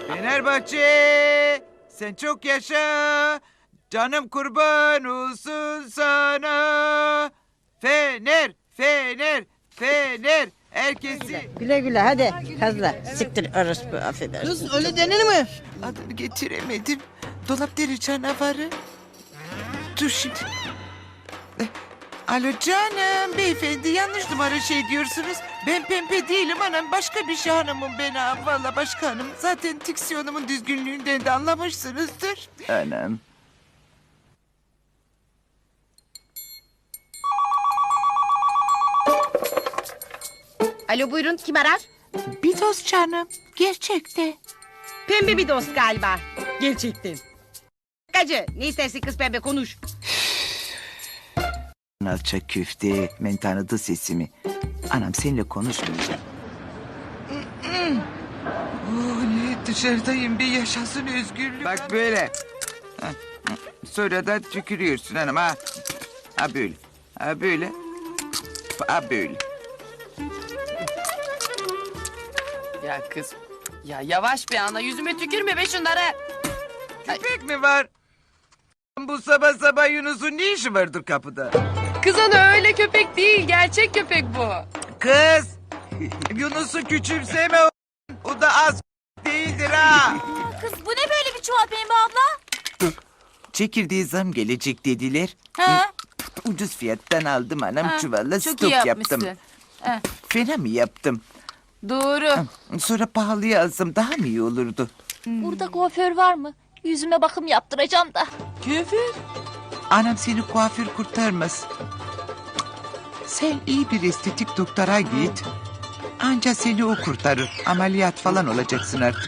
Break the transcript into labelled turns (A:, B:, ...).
A: Fenerbahçe, sen çok yaşa. Canım kurban olsun sana. Fener, Fener, Fener. Herkesi...
B: Güle güle hadi kazla. Siktir orospu affedersin.
C: Kız öyle denir mi?
A: Adını getiremedim. Dolap deri canavarı. Dur şimdi. Alo canım, beyefendi yanlış numara diyorsunuz. Ben pembe değilim anam, başka bir şey hanımım ben ha. Valla başka hanım. Zaten diksiyonumun düzgünlüğünden de anlamışsınızdır. Anam.
D: Alo buyurun kim arar?
A: Bir dost canım, gerçekte.
D: Pembe bir dost galiba. Gerçekten. Gacı ne istersin kız pembe konuş.
A: Alçak köfte, ben tanıdı sesimi. Anam seninle konuşmayacağım. Ne dışarıdayım bir yaşasın özgürlük. Bak böyle. Sonra da tükürüyorsun hanım ha. Ha böyle. Ha böyle. Ha böyle.
E: Ya kız. Ya yavaş be ana yüzüme tükürme be şunları.
A: Köpek mi var? Bu sabah sabah Yunus'un ne işi vardır kapıda?
E: Kız ana öyle köpek değil gerçek köpek bu.
A: Kız! Yunus'u küçümseme o. O da az değildir ha.
F: Kız bu ne böyle bir çuval Pembe abla?
A: Çekirdeği zam gelecek dediler.
F: Ha?
A: Ucuz fiyattan aldım anam
F: Ha,
A: çuvalla
F: çok
A: stok
F: iyi
A: yaptım.
F: yapmışsın. Ha.
A: Fena mı yaptım?
F: Doğru.
A: Sonra pahalıya alsam daha mı iyi olurdu?
F: Burada kuaför var mı? Yüzüme bakım yaptıracağım da.
A: Anam seni kuaför kurtarmaz. Sen iyi bir estetik doktora git. Anca seni o kurtarır. Ameliyat falan olacaksın artık.